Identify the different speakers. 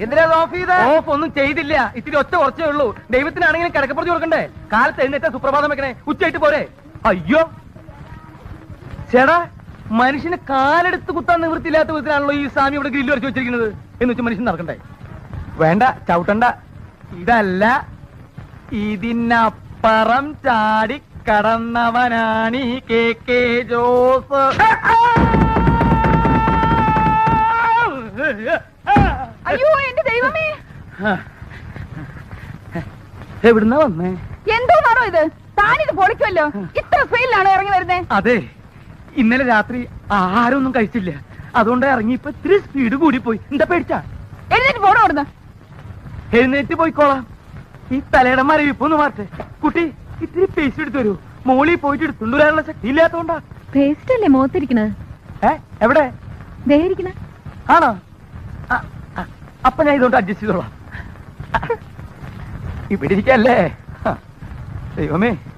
Speaker 1: എന്തിനാ ഓഫ് ചെയ്ത? ഓഫ് ഒന്നും ചെയ്തില്ല, ഇത്തിരി ഒച്ച കുറച്ചേ ഉള്ളൂ. ദൈവത്തിനാണെങ്കിലും കിടക്കപ്പുറത്ത് കൊടുക്കണ്ടേ? കാലത്ത് എഴുന്നേറ്റ സുപ്രഭാതം വെക്കണേ, ഉച്ചയായിട്ട് പോരെ? അയ്യോ ചേടാ, മനുഷ്യന് കാലെടുത്ത് കുത്താൻ നിവൃത്തിയില്ലാത്ത വിധത്തിലാണല്ലോ ഈ സ്വാമി ഇവിടെ ഗ്രില്ല് വരച്ച് വെച്ചിരിക്കുന്നത്. എന്ന് വെച്ചാൽ മനുഷ്യൻ നടക്കണ്ടേ? വേണ്ട, ചവിട്ടണ്ട. ഇതല്ല, ഇതിനപ്പുറം ചാടി കടന്നവനാണീ കെ ജോസ്.
Speaker 2: അയ്യോ എന്റെ ദൈവമേ,
Speaker 1: എവിടുന്നാ വന്നേ?
Speaker 2: എന്തോന്നാണോ ഇത്? താനിത് പൊളിക്കുമല്ലോ. ഇത്ര സ്പീഡിലാണോ ഇറങ്ങി വരുന്നേ?
Speaker 1: അതെ, ഇന്നലെ രാത്രി ആഹാരമൊന്നും കഴിച്ചില്ല, അതുകൊണ്ട് ഇറങ്ങിയപ്പോ ഇത്തിരി സ്പീഡ് കൂടിപ്പോയി. എന്താ പേടിച്ചാ?
Speaker 2: എഴുന്നേറ്റ് പോണോ അവിടുന്ന്?
Speaker 1: എഴുന്നേറ്റ് പോയിക്കോളാം. ഈ തലയുടെ മരവിപ്പൊന്ന് മാറ്റേ. കുട്ടി, ഇത്തിരി പേസ്റ്റ് എടുത്തു വരൂ. മോളിൽ പോയിട്ട് എടുത്തുകൊണ്ടുവരാനുള്ള ശക്തി ഇല്ലാത്തോണ്ടാ.
Speaker 2: പേസ്റ്റ് അല്ലേ മുഖത്തിരിക്കണത്?
Speaker 1: എവിടെ?
Speaker 2: ദേഹിരിക്കണ
Speaker 1: ആണോ? അപ്പൊ ഞാൻ ഇതുകൊണ്ട് അഡ്ജസ്റ്റ് ചെയ്തോളാം. ഇവിടെ ഇരിക്കല്ലേ? ദൈവമേ,